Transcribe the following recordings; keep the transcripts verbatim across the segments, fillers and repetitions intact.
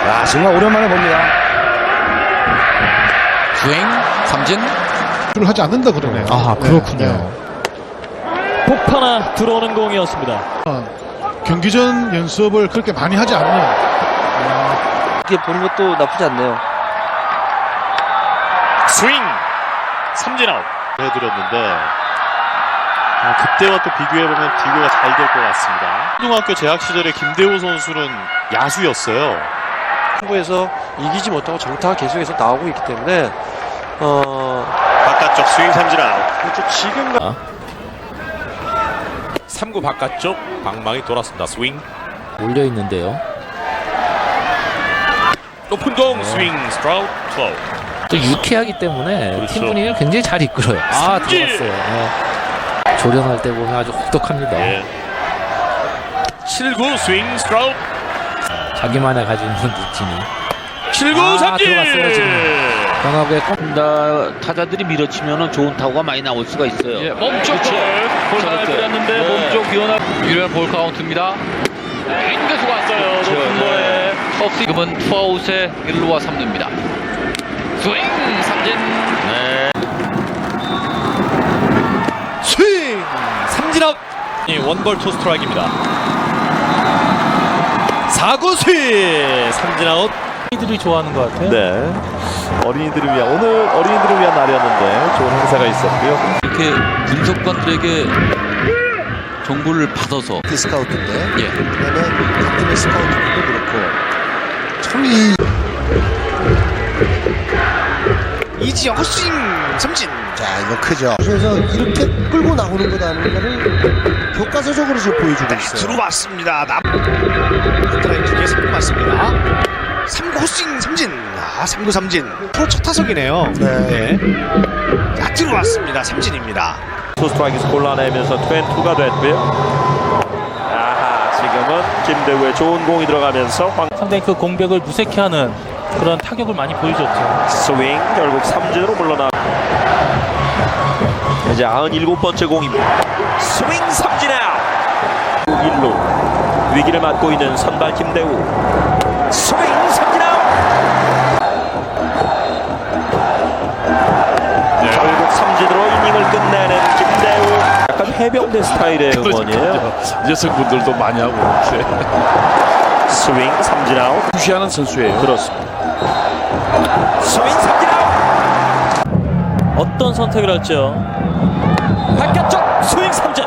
아, 정말 오랜만에 봅니다. 주행 삼진 를 하지 않는다 그러네요. 아, 그렇군요. 네, 폭파나 들어오는 공이었습니다. 네. 경기 전 연습을 그렇게 많이 하지 않는. 이렇게 보는 것도 나쁘지 않네요. 스윙 삼진 아웃. 해드렸는데 아, 그때와 또 비교해보면 비교가 잘 될 것 같습니다. 초등학교 재학 시절에 김대호 선수는 야수였어요. 후보에서 이기지 못하고 정타가 계속해서 나오고 있기 때문에 어 바깥쪽 스윙 삼진 아웃. 그렇죠. 지금 삼 구 바깥쪽 방망이 돌았습니다. 스윙 몰려 있는데요. 높은 공 스윙 스트라우크 투아웃. 또 유쾌하기 때문에 그렇죠. 팀 분위기를 굉장히 잘 이끌어요. 아, 삼진! 들어갔어요. 네. 조련할 때 보면 아주 혹독합니다. 예. 칠 구 스윙 스트라우크. 자기만의 가지고 있는 루틴이. 칠 구 아, 삼진. 들어갔어요, 지금. 변화구에 꼭 다, 타자들이 밀어치면은 좋은 타구가 많이 나올 수가 있어요. 예, 멈춰 볼 잘 뿌렸는데 네. 몸쪽 비워나 유리한 볼 카운트입니다. 인계수가 왔어요. 그렇죠. 높은 거에 컵 지금은 투아웃에 일 루와 삼 루입니다. 스윙 삼진. 네. 스윙 삼진 아웃. 원볼 투 스트라이크입니다. 사 구 스윙 삼진 아웃. 이들이 좋아하는 것 같아요. 네. 어린이들을 위한 오늘 어린이들을 위한 날이었는데 좋은 행사가 있었고요. 이렇게 분석관들에게 정보를 받아서 스카우트인데. 예. 그다음에 같은 스카우트도 그렇고. 참 이. 이지영 헛스윙 삼진. 자, 이거 크죠. 그래서 이렇게 끌고 나오는 거다는 거를 교과서적으로 지금 보여주고 있어요. 들어왔습니다. 남. 스트라이크 두개 삼 구 맞습니다. 삼 구 헛스윙 삼진. 아, 삼 구 삼진. 프로 첫 타석이네요. 네. 자, 들어왔습니다. 삼진입니다. 투 스트라이크에서 골라내면서 투앤투가 됐고요. 아하, 지금은 김대우의 좋은 공이 들어가면서 황 상당히 그 공백을 무색해하는 그런 타격을 많리 보여줬죠. 스윙 결국 삼진으로 물러나. 이제 구십칠 번째 공입니다. 스윙 삼진 아웃. 일 루 위기를 맞고 있는 선발 김대우. 스윙 삼진 아웃. 결국 삼진으로 이닝을 끝내는 김대우. 약간 해병대 스타일의 응원이에요. 여성분들도 많이 하고 이렇게 스윙 삼진 아웃. 무시하는 선수예요. 그렇습니다. 스윙 삼진 아웃. 어떤 선택을 할지요. 바깥쪽 스윙 삼진.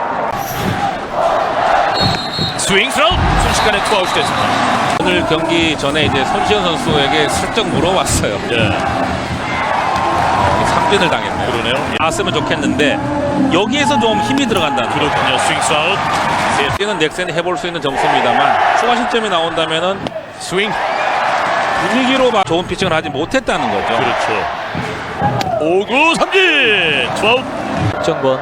스윙 스라우트 순식간에 투아웃이 됐습니다. 오늘 경기 전에 이제 손시현 선수에게 슬쩍 물어봤어요. 예. 어, 삼진을 당했네요. 그러네요. 나왔으면 좋겠는데 여기에서 좀 힘이 들어간다는. 그렇군요. 스윙 스라우트. 뛰는 넥센이 해볼 수 있는 점수입니다만 추가 실점이 나온다면은 스윙 분위기로 막 좋은 피칭을 하지 못했다는 거죠. 그렇죠. 오 구 삼진 투아웃. 정권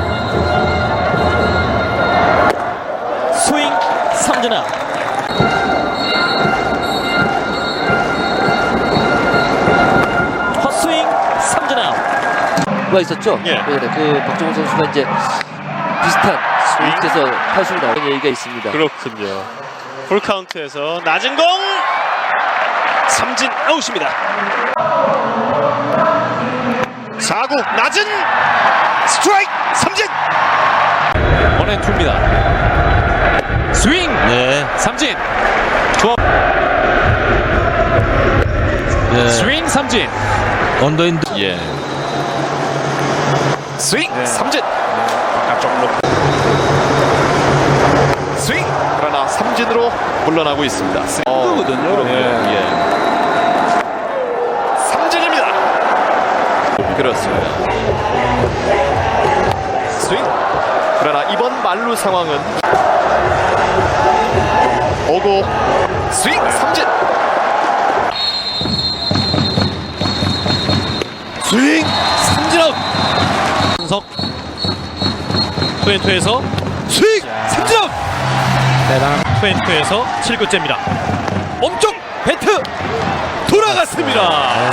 스윙 삼진 아웃. 헛스윙 삼진 아웃. 가 있었죠. 예. 네, 그 박정호 선수가 이제 비슷한 스윙에서 탈수로 나오는 얘기가 있습니다. 그렇군요. 풀카운트에서 낮은 공 삼진 아웃입니다. 사 구 낮은 스트라이크 삼진. 원앤투입니다. 스윙 네 삼진 좋아. 네. 스윙 삼진 언더인드 예 스윙 삼진. 바깥쪽으로 스윙. 그러나 삼진으로 물러나고 있습니다. 거든요. 예. 예. 삼진입니다. 그렇습니다. 스윙. 그러나 이번 만루 상황은 오고 스윙 삼진. 스윙 삼진 아웃. 한석 투앤투에서 스윙 삼진 아웃. 대단한 투앤투에서 칠 구째입니다. 엄쪽 배트 돌아갔습니다.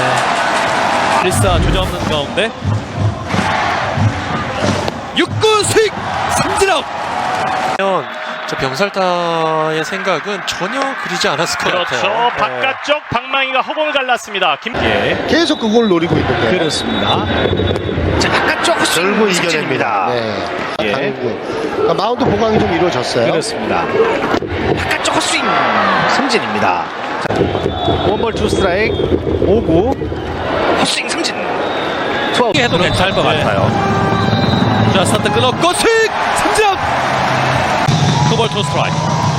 일사 주저없는 가운데 육 구 스윙 삼진 아웃. 저 병살타의 생각은 전혀 그리지 않았을 것 그렇죠. 같아요. 바깥쪽 방망이가 허공을 갈랐습니다. 김기에 계속 그걸 노리고 있는데 그렇습니다. 자, 바깥쪽 헛스윙 결국 삼진입니다. 이겨냅니다. 네. 예. 강구. 그러니까 마운드 보강이 좀 이루어졌어요. 그렇습니다. 바깥쪽 헛스윙 삼진입니다. 원볼 투 스트라이크 오구 헛스윙 삼진 투아웃 해도 괜찮을 것 같아요. 자, 스타트 끊었고 스윙 삼진 아웃. 투볼 투 스트라이크.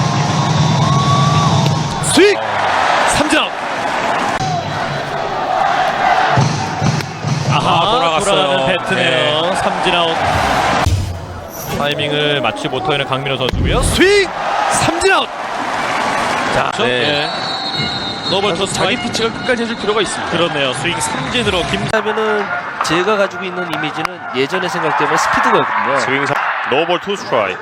스윙 삼진 아웃. 아하, 돌아갔어요. 배트네요. 삼진 아웃. 타이밍을 맞추지 못하고 있는 강민호 선수고요. 스윙 삼진 아웃. 자, 네. 노볼 투 자기 스트라이크. 피치가 끝까지 해줄 필요가 있습니다. 그렇네요. 스윙 삼진으로 김 하면은 제가 가지고 있는 이미지는 예전의 생각 때문에 스피드거든요. 스윙 삼 노볼 투 스트라이크.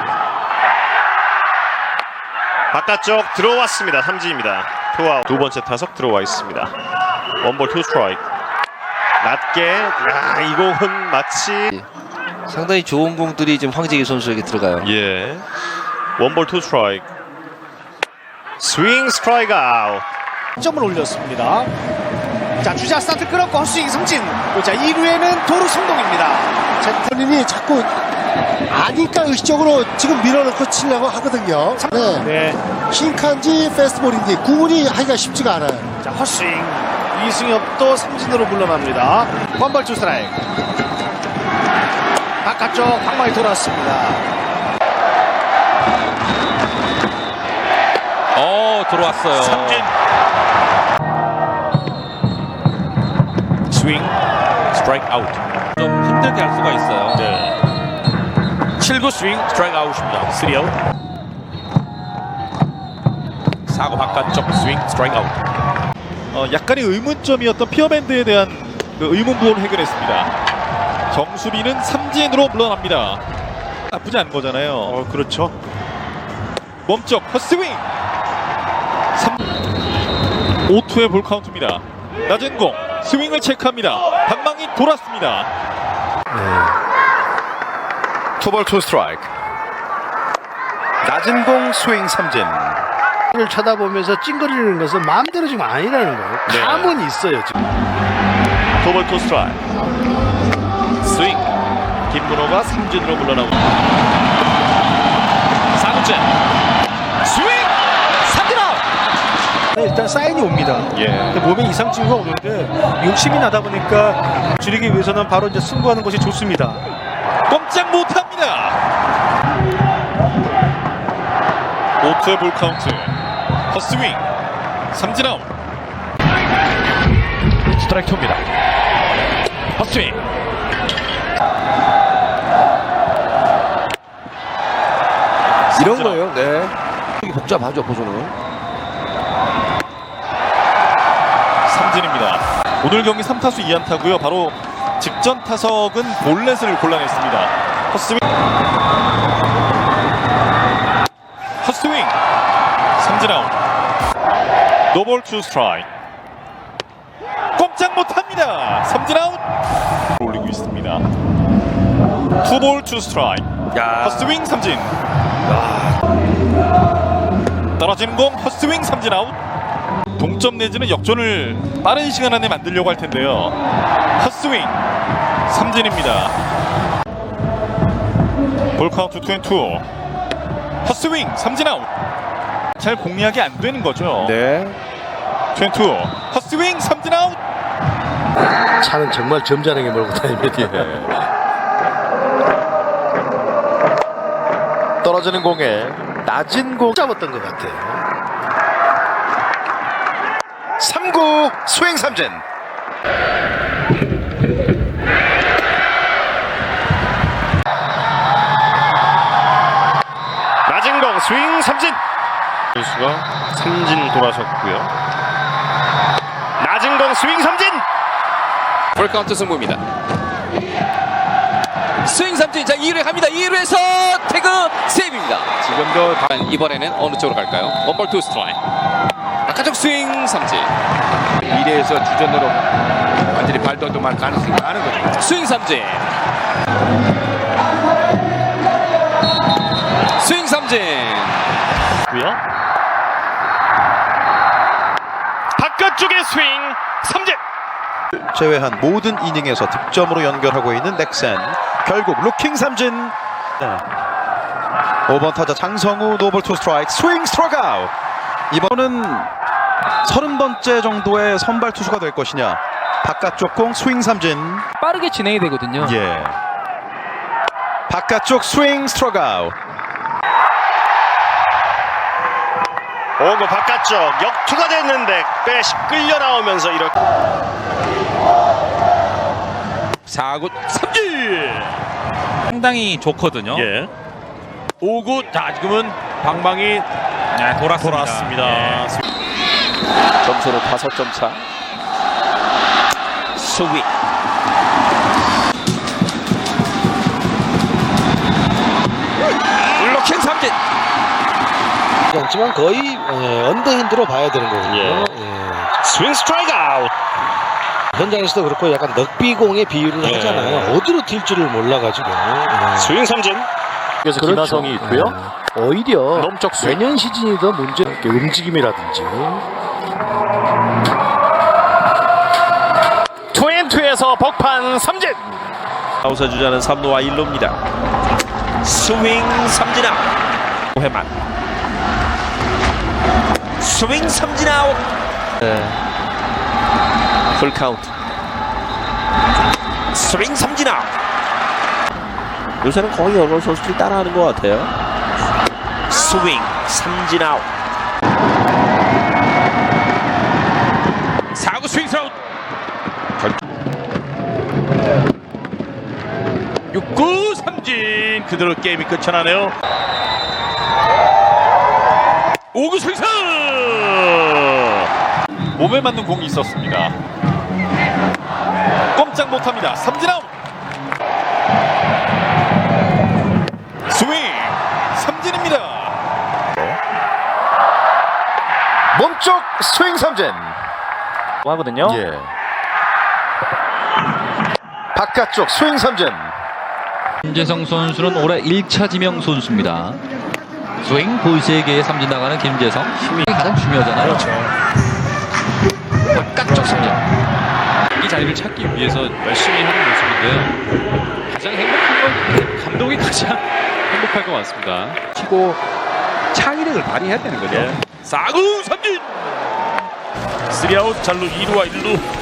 바깥쪽 들어왔습니다. 삼진입니다. 투아웃. 두 번째 타석 들어와 있습니다. 원볼 투 스트라이크. 낮게. 야, 이 공은 마치 상당히 좋은 공들이 지금 황재기 선수에게 들어가요. 예. 원볼 투 스트라이크. 스윙 스트라이크 아웃. 점을 올렸습니다. 자, 주자 스타트 끊었고 헛스윙 삼진. 자, 이 루에는 도루 성공입니다. 제 본인이 자꾸 아니까 의식적으로 지금 밀어넣고 치려고 하거든요. 네. 네. 싱크인지 패스트볼인지 구분이 하기가 쉽지가 않아요. 자, 헛스윙 이승엽도 삼진으로 물러납니다. 원볼 투 스트라이크. 바깥쪽 방망이 돌았습니다. 어, 들어왔어요. 삼진. 스윙 스트라이크 아웃. 좀 힘들게 할 수가 있어요. 네. 칠 구 스윙 스트라이크 아웃입니다. 쓰리 아웃. 사 구 바깥쪽 스윙 스트라이크 아웃. 어, 약간의 의문점이었던 피어밴드에 대한 그 의문부호를 해결했습니다. 정수빈은 삼진으로 물러납니다. 나쁘지 않은 거잖아요. 어, 그렇죠. 멈쩍 헛스윙. 오 투의 볼 카운트입니다. 낮은 공 스윙을 체크합니다. 방망이 돌았습니다. 투볼 투 스트라이크. 낮은 공 스윙 삼진. 를 쳐다보면서 찡그리는 것은 마음대로 지금 아니라는 거예요. 네. 감은 있어요 지금. 도볼 투 스트라이크. 스윙. 김문호가 삼진으로 물러나옵니다. 사 구째. 스윙. 삼진 아웃. 일단 사인이 옵니다. 예. 근데 몸에 이상 징후가 오는데 욕심이 나다 보니까 줄이기 위해서는 바로 이제 승부하는 것이 좋습니다. 꼼짝 못합니다. 오 투의 볼 카운트. 헛스윙 삼진 아웃. 스트라이크 투입니다. 헛스윙. 이런 거예요. 네. 복잡하죠, 보조는. 삼진입니다. 오늘 경기 삼 타수 이 안타고요. 바로 직전 타석은 볼넷을 골라냈습니다. 헛스윙. 헛스윙. 삼진 아웃. 노볼 투 스트라이크. 꼼짝 못합니다. 삼진 아웃. 올리고 있습니다. 투볼 투 스트라이크. 헛스윙 삼진. 떨어지는 공 헛스윙 삼진 아웃. 동점 내지는 역전을 빠른 시간 안에 만들려고 할 텐데요. 헛스윙 삼진입니다. 볼 카운트 투 앤 투. 헛스윙 삼진 아웃. 잘 공략이 안 되는 거죠. 네. 투 앤 투. 헛스윙 삼진 아웃. 차는 정말 점잖게 몰고 다닙니다. 떨어지는 공에 낮은 공 잡았던 것 같아요. 삼 구 스윙 삼진. 낮은 공 스윙 삼진. 선수가 삼진 돌아섰고요. 낮은 공 스윙 삼진. 볼 카운트 승부입니다. 스윙 삼진. 자, 이 루에 갑니다. 이 루에서 태그 세이브입니다. 지금도 이번에는 어느 쪽으로 갈까요? 원볼 투 스트라이크. 바깥쪽 스윙 삼진. 미래에서 주전으로 완전히 발돋움할 가능성이 많은 거죠. 스윙 삼진. 스윙 삼진. 고요. 바깥쪽의 스윙 삼진. 제외한 모든 이닝에서 득점으로 연결하고 있는 넥센. 결국 루킹 삼진. 네. 오 번 타자 장성우 노볼 투 스트라이크 스윙 스트라이크 아웃. 이번은 서른 번째 정도의 선발 투수가 될 것이냐. 바깥쪽 공 스윙 삼진. 빠르게 진행이 되거든요. 예. 바깥쪽 스윙 스트라이크 아웃. 오고 바깥쪽 역투가 됐는데 빼시 끌려 나오면서 이렇게 사 구 삼진. 상당히 좋거든요. 예. 오 구. 자, 지금은 방망이 네, 돌았습니다. 돌았습니다. 예. 점수는 다섯 점 차. 스윙. 블로킹 삼진. 않지만 거의 예, 언더핸드로 봐야 되는 거거든요. 예. 예. 스윙 스트라이크 아웃. 현장에서도 그렇고 약간 넉비공의 비유를 예. 하잖아요. 어디로 튈 줄을 몰라가지고. 예. 스윙 삼진. 그래서 김하성이 있고요. 오히려 내년 시즌이 더 문제. 움직임이라든지. 투앤투에서 벅판 삼진. 아웃사 주자는 삼 루와 일 루입니다. 스윙 삼진 아웃. 회만. 스윙 삼진 아웃. 네. 풀 카운트. 스윙 삼진 아웃. 요새는 거의 여러 선수들이 따라하는 것 같아요. 스윙 삼진 아웃. 사 구 스윙 아웃. 육 구 삼진. 그대로 게임이 끝이 나네요. 오 구 스윙 아웃. 몸에 맞는 공이 있었습니다. 꼼짝 못합니다. 삼진 아웃. 스윙 삼진입니다. 몸쪽 스윙 삼진. 하거든요. 예. 바깥쪽 스윙 삼진. 김재성 선수는 올해 일 차 지명 선수입니다. 스윙 볼 세 개의 삼진 나가는 김재성. 힘이 가장 중요하잖아요. 그렇죠. 바깥쪽 삼진. 이 자리를 찾기 위해서 열심히 하는 모습인데요. 가장 행복한 건 감독이 가장 행복할 것 같습니다. 치고 창의력을 발휘해야 되는 거죠. 사 구 삼진. 쓰리 아웃. 잘루 이 루와 일 루.